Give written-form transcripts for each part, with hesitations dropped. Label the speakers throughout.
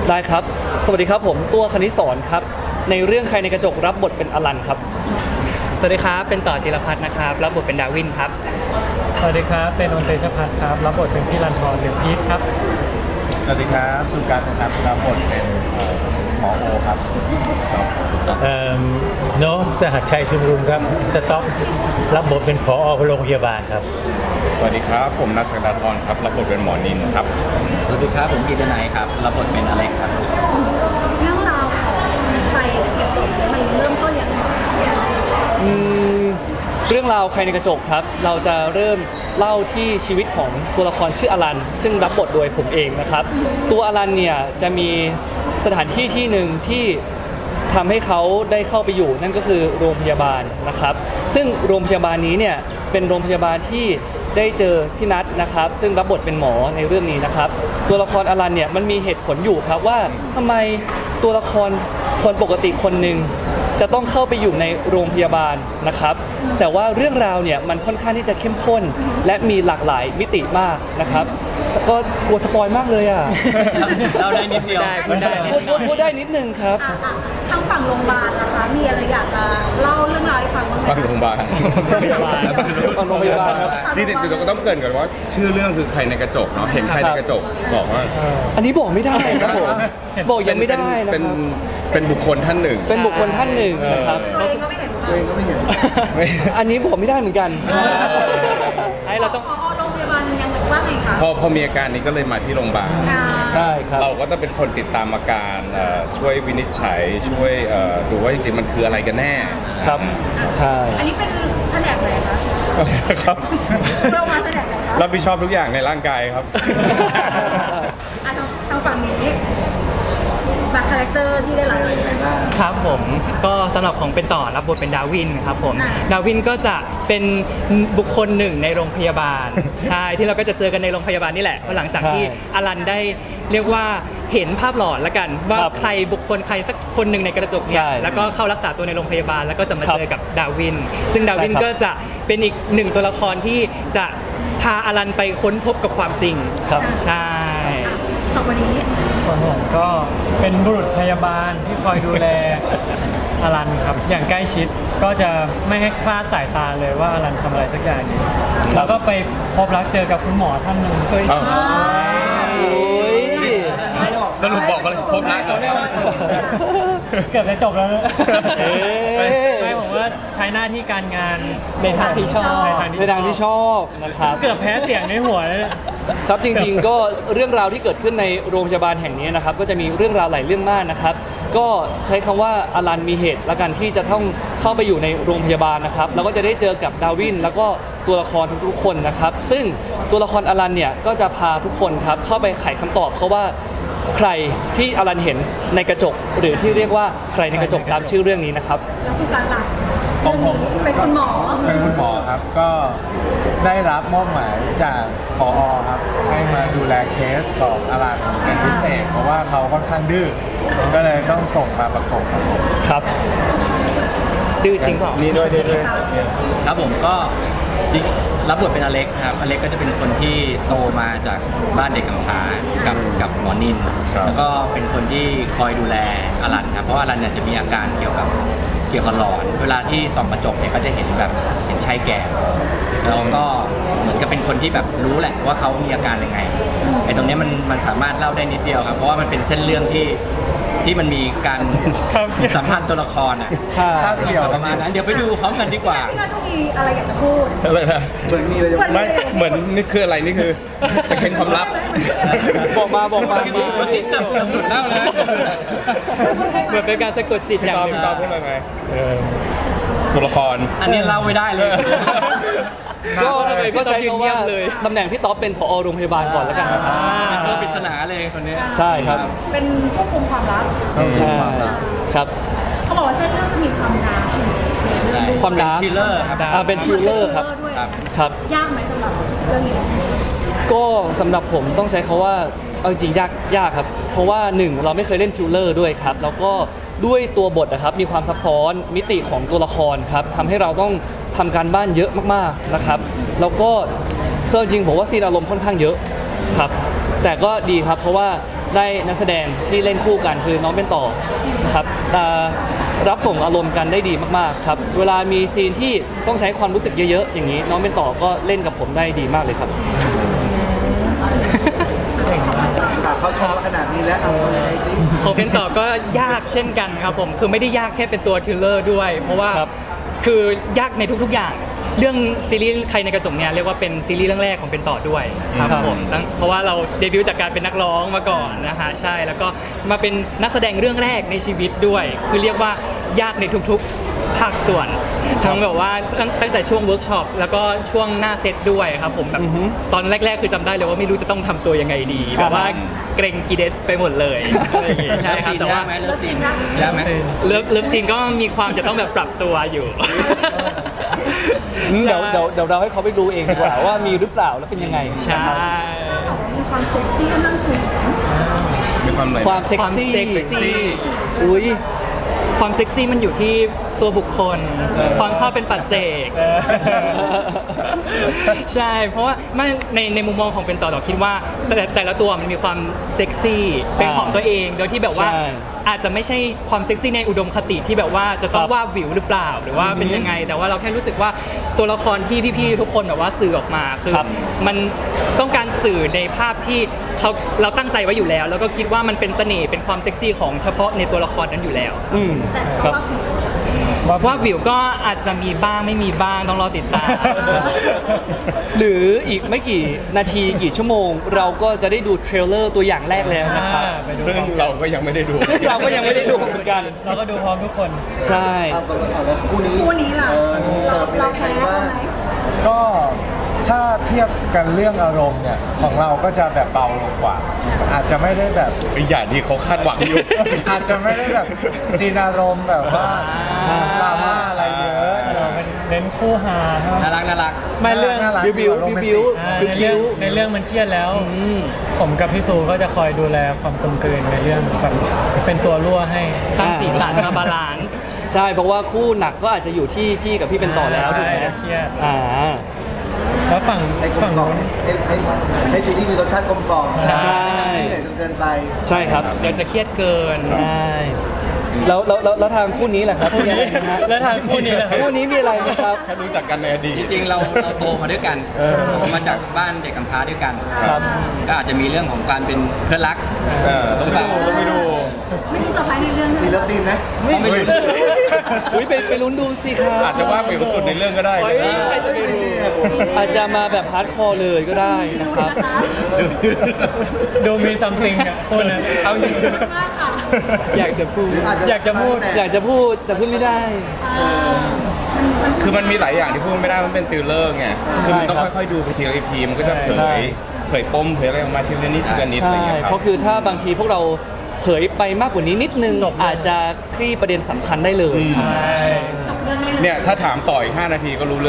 Speaker 1: ได้ครับสวัสดีครับผมตัวคณิตสอนครับในเรื่องใครในกระจกรับบทเป็นอลันครับ
Speaker 2: สวัสดีครับเป็นต่อจิรพัฒน์นะครับรับบทเป็นดาวินครับ
Speaker 3: สวัสดีครับเป็นนนท์เตชพัฒน์ครับรับบทเป็นพี่รันทรหรือพีทครับ
Speaker 4: สวัสดีครับสุการนะครับรับบทเป็นหมอโอครับ
Speaker 5: โน้สหัสชัยชุมรุมครับสต็อกรับบทเป็นผอ.โรงพยาบาลครับ
Speaker 4: สวัสดีครับผมนัทศักดาธรครับรับบทเป็นหมอนินครับ
Speaker 6: สวัสดีครับผมกีตนายครับรับบทเป็นอเล็กครับ
Speaker 7: เรื่องราวของไปกระจกมันเริ่มต้นอย่างไร
Speaker 1: เรื่องราวใครในกระจกครับเราจะเริ่มเล่าที่ชีวิตของตัวละครชื่ออลันซึ่งรับบทโดยผมเองนะครับตัวอลันเนี่ยจะมีสถานที่ที่หนึ่งที่ทำให้เขาได้เข้าไปอยู่นั่นก็คือโรงพยาบาลนะครับซึ่งโรงพยาบาลนี้เนี่ยเป็นโรงพยาบาลที่ได้เจอพี่นัทนะครับซึ่งรับบทเป็นหมอในเรื่องนี้นะครับตัวละครอลันเนี่ยมันมีเหตุผลอยู่ครับว่าทำไมตัวละครคนปกติคนหนึ่งจะต้องเข้าไปอยู่ในโรงพยาบาลนะครับแต่ว่าเรื่องราวเนี่ยมันค่อนข้างที่จะเข้มข้นและมีหลากหลายมิติมากนะครับก็กลัวสปอยมากเลยอ่ะ
Speaker 6: เราได้นิดเดียว
Speaker 1: พูดได้นิดนึงครับ
Speaker 7: ทางฝั่งโรงพยาบาลนะคะมีอะไรอยากจะเล่าเรื่องราวให้ฟังบ้างไหม
Speaker 4: โรงพยาบาล
Speaker 1: โรงพยาบาลครับ
Speaker 4: ที่เราก็ต้องเกริ่นก่อนว่าชื่อเรื่องคือใครในกระจกเนาะเห็นใครในกระจกบอกว่า
Speaker 1: อันนี้บอกไม่ได้ครับผมบอกยังไม่ได้นะครับ
Speaker 4: เป็นบุคคลท่านหนึ่ง
Speaker 1: เป็นบุคคลท่านหนึ่งนะครับ
Speaker 7: ตัวเองก็ไม่เห็นตัวเองก็ไม่เห็น
Speaker 1: อันนี้บอกไม่ได้เหมือนกัน
Speaker 7: ให้เราต้องโรงพยาบาลยังว่าไงคะ
Speaker 4: พอมีอาการนี้ก็เลยมาที่โรงพยาบาล
Speaker 1: ใช่ครับ
Speaker 4: เราก็ต้องเป็นคนติดตามอาการช่วยวินิจฉัยช่วยดูว่าจริงๆมันคืออะไรกันแน่
Speaker 1: ครับใช่
Speaker 7: อันนี้เป็นแผนกไหนคะ
Speaker 4: ครับ
Speaker 7: เรามาแผนกไหนคะ
Speaker 4: รับผิดชอบทุกอย่างในร่างกายครับ
Speaker 7: ทางฝั่งนี้บัตรคาแรคเตอร์ที่ได้รับ
Speaker 2: ครับผมก็สำหรับของเป็นต่อรับบทเป็นดาวินครับผมดาวินก็จะเป็นบุคคลหนึ่งในโรงพยาบาลใช่ที่เราก็จะเจอกันในโรงพยาบาลนี่แหละหลังจากที่อลันได้เรียกว่าเห็นภาพหลอนละกันว่าใครบุคคลใครสักคนหนึ่งในกระจกเนี่ยแล้วก็เข้ารักษาตัวในโรงพยาบาลแล้วก็จะมาเจอกับดาวินซึ่งดาวินก็จะเป็นอีกหนึ่งตัวละครที่จะพาอลันไปค้นพบกับความจริง
Speaker 1: ครับ
Speaker 2: ใช่
Speaker 7: สองวันนี้
Speaker 3: ส่วนผมก็เป็นบุรุษพยาบาลที่คอยดูแลอลันครับอย่างใกล้ชิดก็จะไม่ให้คลาดสายตาเลยว่าอลันทำอะไรสักอย่างอยู่แล้วก็ไปพบรักเจอกับคุณหมอท่านหนึ่ง
Speaker 4: สรุปบอกเลยพบรัก
Speaker 3: เกือบจะจบแล้วนะไม่ผมว่าใช้หน้าที่การงาน
Speaker 2: ในทางที่ชอบ
Speaker 1: ในทางที่ชอบนะครับ
Speaker 3: เกือบแพ้เสียงในหัวเลย
Speaker 1: ครับจริงๆก็เรื่องราวที่เกิดขึ้นในโรงพยาบาลแห่งนี้นะครับก็จะมีเรื่องราวหลายเรื่องมากนะครับก็ใช้คำว่าอลันมีเหตุละกันที่จะต้องเข้าไปอยู่ในโรงพยาบาลนะครับแล้วก็จะได้เจอกับดาวินแล้วก็ตัวละครทุกๆคนนะครับซึ่งตัวละครอลันเนี่ยก็จะพาทุกคนครับเข้าไปไขคำตอบเขาว่าใครที่อลันเห็นในกระจกหรือที่เรียกว่าใครในกระจกตามชื่อเรื่องนี้นะครับ
Speaker 7: แล้วสุการหลักเรื่องนี้เป็นคุณหมอ
Speaker 3: ครับก็ได้รับมอบหมายจากผอ.ครับให้มาดูแลเคสของอลันเป็นพิเศษเพราะว่าเขาค่อนข้างดื้อก็เลยต้องส่งมาประกบ
Speaker 1: ครับดื้อจริงเปล่า
Speaker 3: นี่ด้วย
Speaker 6: ครับผมก็รับบทเป็นอเล็กครับอเล็กก็จะเป็นคนที่โตมาจากบ้านเด็กกำพร้ากับหมอนินแล้วก็เป็นคนที่คอยดูแลอลันครับเพราะอลันเนี่ยจะมีอาการเกี่ยวกับหลอนเวลาที่ส่องกระจกเนี่ยก็จะเห็นแบบเห็นชายแก่แล้วก็เหมือนกับเป็นคนที่แบบรู้แหละว่าเขามีอาการยังไงไอ้ตรงนี้มันสามารถเล่าได้นิดเดียวครับเพราะว่ามันเป็นเส้นเรื่องที่มันมีการสัมพันธ์ตัวละครอ่ะ
Speaker 3: เกี่ยว
Speaker 6: ประมาณนั้นเดี๋ยวไปดูพร้อมกันดีกว่า
Speaker 7: พี่นัทมีอะไรอยากจะพูด
Speaker 4: อะไรนะเหมือนมีอะไรไม่เหมือนนี่คืออะไรนี่คือจะเค้นความลับ
Speaker 1: บอกมา
Speaker 6: วันนี้เกือบหลุดแล้วนะ
Speaker 2: เหมือนเป็นการสะกดจิตอย่างหนึ่ง
Speaker 4: พี่ตอบพูดอะไรไงตัวละคร
Speaker 6: อันนี้เล่าไม่ได้เลย
Speaker 1: ก็ใช้คำว่าตำแหน่งพี่ต๊อบเป็นผอ.โรงพยาบาลก่อนแล้วกันนะครับ
Speaker 6: เป็นปริศนาเลยคนนี้
Speaker 1: ใช่ครับ
Speaker 7: เป็นควบคุมความลับ
Speaker 1: ใช่ครับ
Speaker 7: เขาบอกว่าเส้นเรื่องจะมีความรัก
Speaker 1: ความรัก
Speaker 6: ทริลเลอร์ครับ
Speaker 1: เป็นทริลเลอร์ครับครับ
Speaker 7: ยากไหมสำหรับเรื่องนี้
Speaker 1: ก็สำหรับผมต้องใช้คำว่าเอาจริงยากครับเพราะว่า1เราไม่เคยเล่นทริลเลอร์ด้วยครับแล้วก็ด้วยตัวบทนะครับมีความซับซ้อนมิติของตัวละครครับทำให้เราต้องทำการบ้านเยอะมากๆนะครับแล้วก็จริงผมว่าซีนอารมณ์ค่อนข้างเยอะครับแต่ก็ดีครับเพราะว่าได้นักแสดงที่เล่นคู่กันคือน้องเป็นต่อนะครับรับส่งอารมณ์กันได้ดีมากๆครับเวลามีซีนที่ต้องใช้ความรู้สึกเยอะๆอย่างนี้น้องเป็นต่อก็เล่นกับผมได้ดีมากเลยครับ
Speaker 8: เขาชอบขนาดนี้แล้วเอายังไงสิ
Speaker 2: ของเป็นต่อก็ยากเช่นกันครับผมคือไม่ได้ยากแค่เป็นตัวทิลเลอร์ด้วย เพราะว่า
Speaker 1: ครับ
Speaker 2: คือยากในทุกๆอย่าง เรื่องซีรีส์ใครในกระจกเนี่ยเรียกว่าเป็นซีรีส์เรื่องแรกของเป็นต่อด้วยครับผมเพราะว่าเราเดบิวต์จากการเป็นนักร้องมาก่อนนะฮะใช่แล้วก็มาเป็นนักแสดงเรื่องแรกในชีวิตด้วย คือเรียกว่ายากในทุกๆภาคส่วนทั้งแบบว่าตั้งแต่ช่วงเวิร์กช็อปแล้วก็ช่วงหน้าเซตด้วยครับผมแบบตอนแรกๆคือจำได้เลยว่าไม่รู้จะต้องทำตัวยังไงดีแบบว่าเกรงกีเดสไปหมดเลยอะไรอย่างเงี้ยใช่ครับแต่ว่า
Speaker 6: เลิฟซีนยากไหม
Speaker 2: เลิฟซีนก็มีความจะต้องแบบปรับตัวอยู่
Speaker 1: เดี๋ยวเราให้เขาไปดูเองดีกว่าว่ามีหรือเปล่าแล้วเป็นยังไง
Speaker 2: ใช่
Speaker 7: มีความเซ็กซี่ค่อนข้างสูง
Speaker 4: มีความอะไร
Speaker 1: ความเซ็ก
Speaker 2: ความ
Speaker 1: ซี่
Speaker 2: เซ็กซี่
Speaker 1: อุ้ย
Speaker 2: ความเซ็กซี่มันอยู่ที่ตัวบุคคล ความชอบเป็นปัจเจก ใช่ เพราะว่าไม่ในมุมมองของเป็นต่อคิดว่าแต่ละตัวมันมีความเซ็กซี่เป็นของตัวเองโดยที่แบบว่า
Speaker 1: ใช่
Speaker 2: อาจจะไม่ใช่ความเซ็กซี่ในอุดมคติที่แบบว่าจะต้อง
Speaker 1: ครับ
Speaker 2: ว่าวิวหรือเปล่าหรือว่าเป็นยังไง แต่ว่าเราแค่รู้สึกว่าตัวละครที่พี่ๆทุกคนแบบว่าสื่อออกมาคือ
Speaker 1: ครับ
Speaker 2: มันต้องการสื่อในภาพที่เราตั้งใจไว้อยู่แล้ว แล้วก็คิดว่ามันเป็นเสน่ห์เป็นความเซ็กซี่ของเฉพาะในตัวละครนั้นอยู่แล้ว
Speaker 1: อืม
Speaker 7: แต่
Speaker 1: ค
Speaker 7: ก็
Speaker 1: รับ
Speaker 7: ว่าผิด
Speaker 2: ว่าวิวก็อาจจะมีบ้างไม่มีบ้างต้องรอติดตาม
Speaker 1: หรืออีกไม่กี่นาทีกี่ชั่วโมง เราก็จะได้ดูเทรลเลอร์ตัวอย่างแรกแล้วนะครับ
Speaker 3: ไปดู
Speaker 4: ซึ่ง
Speaker 3: พร้อม
Speaker 4: เราก็ยังไม่ได้ดู
Speaker 1: ซึ่งเราก็ยังไม่ได้ดูเหมือนกัน
Speaker 3: เราก็ดูพร้อมทุกคน
Speaker 1: ใช่
Speaker 8: เอาตัวละครแล้วคู่นี้
Speaker 7: คู่นี้ล่ะ เราแพ้เขาไหม
Speaker 9: ก็ถ้าเทียบกันเรื่องอารมณ์เนี่ยของเราก็จะแบบเบาลงกว่า อาจจะไม่ได้แบบ
Speaker 4: ไอ้อย่างที่เขาคาดหวังอยู่
Speaker 9: อาจจะไม่ได้แบบซีนอารมณ์แบบว่าดราม่าอะไรเยอะ
Speaker 3: เราเป็นเน้นคู่ฮาใช่ไหม
Speaker 6: น่ารักน่ารัก
Speaker 3: ไม่เรื่อง
Speaker 9: น่ารัก
Speaker 1: บิว
Speaker 9: โรแมนติก
Speaker 1: บิว
Speaker 3: ในเรื่องในเรื่องมันเครียดแล้ว ผมกับพี่ซูก็จะคอยดูแลความกลมกลืนในเรื่องแบบเป็นตัวรั่วให้
Speaker 2: สร้างสีสันมาบาลานซ์
Speaker 1: ใช่เพราะว่าคู่หนักก็อาจจะอยู่ที่พี่กับพี่เป็นต่อแล้วถูกไหม
Speaker 3: ใช่เครียด
Speaker 1: อ่า
Speaker 3: แล้วฝั่ง
Speaker 8: ให้กลม
Speaker 3: ฝั่ง
Speaker 8: กล่อม
Speaker 3: นู้น
Speaker 8: ให้ซีรีส์มีรสชาติกลมกล่อม
Speaker 1: ใช่
Speaker 8: ไม่เหนื่อยจนเกินไป
Speaker 1: ใช่ครับ
Speaker 2: เดี๋ยวจะเครียดเกิน
Speaker 1: ใช่แล้วทางคู่นี้แหละครับมีอะไรไหมฮะ
Speaker 3: แล้วทางคู่นี้ล่ะครับ
Speaker 1: คู่นี้มีอะไรไหมครับ
Speaker 4: แค่รู้จักกันในอดีต
Speaker 6: จริงๆเราโตมาด้วยกันโตมาจากบ้านเด็กกำพร้าด้วยกัน
Speaker 1: ครับ
Speaker 6: ก็อาจจะมีเรื่องของการเป็นเพื่อนรัก
Speaker 4: ต้องไปดู
Speaker 7: ไม่มีเซอร์ไพรส์ในเรื่องใช่
Speaker 8: มี
Speaker 7: ไหม
Speaker 8: เลิฟซีนไหม
Speaker 6: ต้องไปดู
Speaker 1: อุ้ยไปลุ้นดูสิครับ
Speaker 4: อาจจะว่าวิวสุดในเรื่องก็ได้
Speaker 1: เฮ้ยใครจะไปรู้อาจจะมาแบบฮาร์ดคอร์เลยก็ได้นะครับ
Speaker 3: ดูมีซัมติงอ่ะคนนั้น
Speaker 4: เอาจริง
Speaker 7: มากค่ะ
Speaker 1: อยากจะพูด
Speaker 3: อยากจะพูด
Speaker 1: อยากจะพูดแต่พูดไม่ได้
Speaker 4: คือมันมีหลายอย่างที่พูดไม่ได้มันเป็นติลเลอร์ไงคือมันต้อง
Speaker 1: ใช่ครับ
Speaker 4: ค่อยๆดูไปทีละ EP มันก็จะเผ
Speaker 1: ใช่
Speaker 4: ยปมเผยอะไรออกมาทีละนิดทีละนิดอะไร
Speaker 1: ใช่
Speaker 4: อย่างเงี้ยครั
Speaker 1: เพ
Speaker 4: บ
Speaker 1: ราะคือถ้าบางทีพวกเราเผยไปมากกว่านี้นิดนึง
Speaker 3: จบเลย
Speaker 1: อาจจะคลี่ประเด็นสำคัญได้เลย
Speaker 3: ใช่
Speaker 7: จบเรื่องนี้เลย
Speaker 4: เนี่ยถ้าถามต่ออีก5 นาทีก็รู้เรื่อง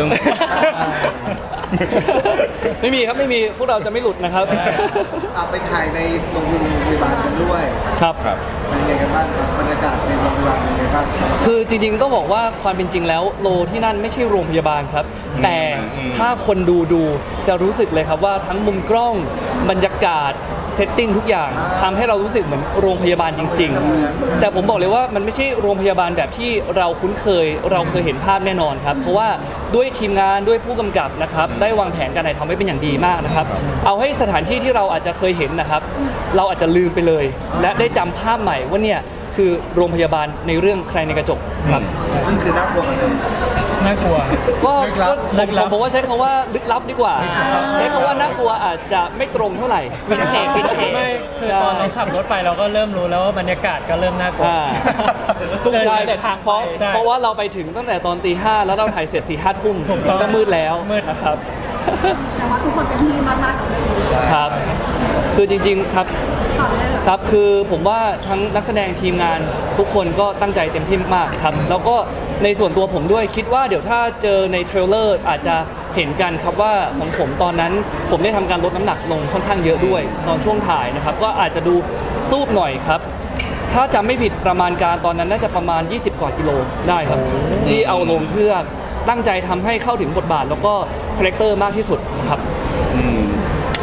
Speaker 1: ไม่มีครับไม่มีพวกเราจะไม่หลุดนะครับ
Speaker 8: เอาไปถ่ายในโรงพยาบาลกันด้วย
Speaker 1: ครับ
Speaker 4: ครับ
Speaker 8: เป็นยังไงกันบ้างครับบรรยากาศในโรงพยาบาลเป็นยังไงบ้างครับ
Speaker 1: คือจริงๆต้องบอกว่าความเป็นจริงแล้วโลที่นั่นไม่ใช่โรงพยาบาลครับ แต่ถ้าคนดูจะรู้สึกเลยครับว่าทั้งมุมกล้องบรรยากาศเซตติ้งทุกอย่างทำให้เรารู้สึกเหมือนโรงพยาบาลจริง ๆ แต่ผมบอกเลยว่ามันไม่ใช่โรงพยาบาลแบบที่เราคุ้นเคย เราเคยเห็นภาพแน่นอนครับ เพราะว่าด้วยทีมงานด้วยผู้กำกับนะครับได้วางแผนการถ่ายทำไว้เป็นอย่างดีมากนะครับ เอาให้สถานที่ที่เราอาจจะเคยเห็นนะครับ เราอาจจะลืมไปเลย และได้จำภาพใหม่ว่าเนี่ยคือโรงพยาบาลในเรื่องใครในกระจกครับ
Speaker 8: ซึ่งคือน่ากลัวกันเลย
Speaker 3: น่ากลัว
Speaker 1: ก็
Speaker 3: ลึกลับ
Speaker 1: ผมว่าใช้คำว่าลึกลับดีกว่า ใช้คำว่าน่ากลัวอาจจะไม่ตรงเท่าไหร่
Speaker 2: วินเทจวินเทจ
Speaker 3: ไม่คือตอนเราขับรถไปเราก็เริ่มรู้แล้วว่าบรรยากาศก็เริ่มน่ากลัว
Speaker 1: อ่า ใช่แต่ทางเพราะ
Speaker 3: ใช่
Speaker 1: เพราะว่าเราไปถึงตั้งแต่ตอนตี 5แล้วเราถ่ายเสร็จ4 5 ทุ่ม
Speaker 3: ถูกต้อง
Speaker 1: ก็มืดแล้ว
Speaker 3: มืด
Speaker 1: นะครับ
Speaker 7: แต่ว่าทุกคนเต็มที่มากๆกับเรื่องนี้
Speaker 1: ครับ คือจริงๆครับ
Speaker 7: ต่อเลยเหรอ
Speaker 1: ครับ คือผมว่าทั้งนักแสดงทีมงานทุกคนก็ตั้งใจเต็มที่มากๆครับ แล้วก็ในส่วนตัวผมด้วยคิดว่าเดี๋ยวถ้าเจอในเทรลเลอร์อาจจะเห็นกันครับว่าของผมตอนนั้นผมได้ทำการลดน้ำหนักลงค่อนข้างเยอะด้วยตอนช่วงถ่ายนะครับ ก็อาจจะดูซูบหน่อยครับ ถ้าจำไม่ผิดประมาณการตอนนั้นน่าจะประมาณ 20 กว่ากิโลได้ครับ ที่เอาลงเพื่อตั้งใจทำให้เข้าถึงบทบาท แล้วก็คาแรคเตอร์มากที่สุดนะครับ
Speaker 4: อืม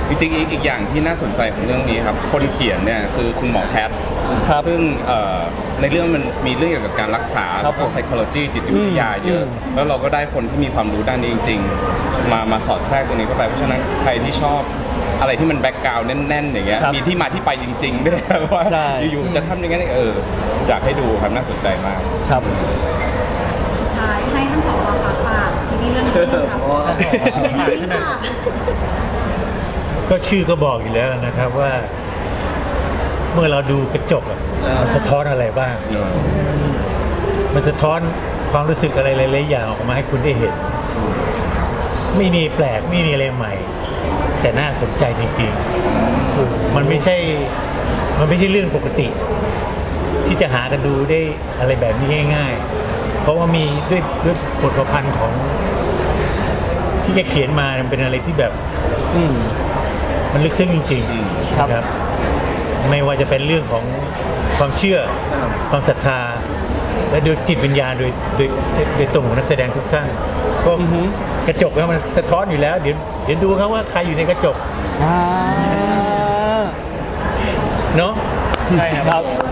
Speaker 4: จริงๆอีกอย่างที่น่าสนใจของเรื่องนี้ครับคนเขียนเนี่ยคือคุณหมอแพทย์
Speaker 1: ครับ
Speaker 4: ซึ่งในเรื่องมันมีเรื่องเกี่ยวกับการรักษา
Speaker 1: ครั
Speaker 4: แล้
Speaker 1: บ
Speaker 4: วก็ psychology จิตวิทยาเยอะ แล้วเราก็ได้คนที่มีความรู้ด้านนี้จริง ๆ มาสอดแทรกตรงนี้เข้าไปเพราะฉะนั้นใครที่ชอบอะไรที่มันแบ็กกราวด์แน่นๆอย่างเงี้ย
Speaker 1: ครับ
Speaker 4: มีที่มาที่ไปจริงๆไม่ได้ว่า
Speaker 1: ใช่
Speaker 4: อยู่ๆจะทำยังไงอยากให้ดูครับน่าสนใจมาก
Speaker 1: ครับ
Speaker 7: สุดท้ายให้ท่านผอฝากซีรีส์เรื่องนี้ด้วยครับเป็นดาวินค่ะ
Speaker 5: ก็ชื่อก็บอกอยู่แล้วนะครับว่า เมื่อเราดูกระจกอะมันสะท้อนอะไรบ้าง มันสะท้อนความรู้สึกอะไรหลายๆอย่างออกมาให้คุณได้เห็น ไม่มีแปลกไม่มีอะไรใหม่ แต่น่าสนใจจริงๆ มันไม่ใช่เรื่องปกติ ที่จะหากันดูได้อะไรแบบนี้ง่าย ๆ เพราะว่ามีด้วยบทประพันธ์ของที่แกเขียนมามันเป็นอะไรที่แบบมันลึกซึ้งจริงๆ
Speaker 1: ครับ
Speaker 5: นะครับ ไม่ว่าจะเป็นเรื่องของความเชื่อความศรัทธา และโดยจิตวิญญาณโดยตรงของนักแสดงทุกท่านก็กระจกแล้วมันสะท้อนอยู่แล้ว เดี๋ยวดูครับว่าใครอยู่ในกระจก
Speaker 1: อ่า
Speaker 5: เนาะ
Speaker 3: ใช่ครับ
Speaker 1: ครับ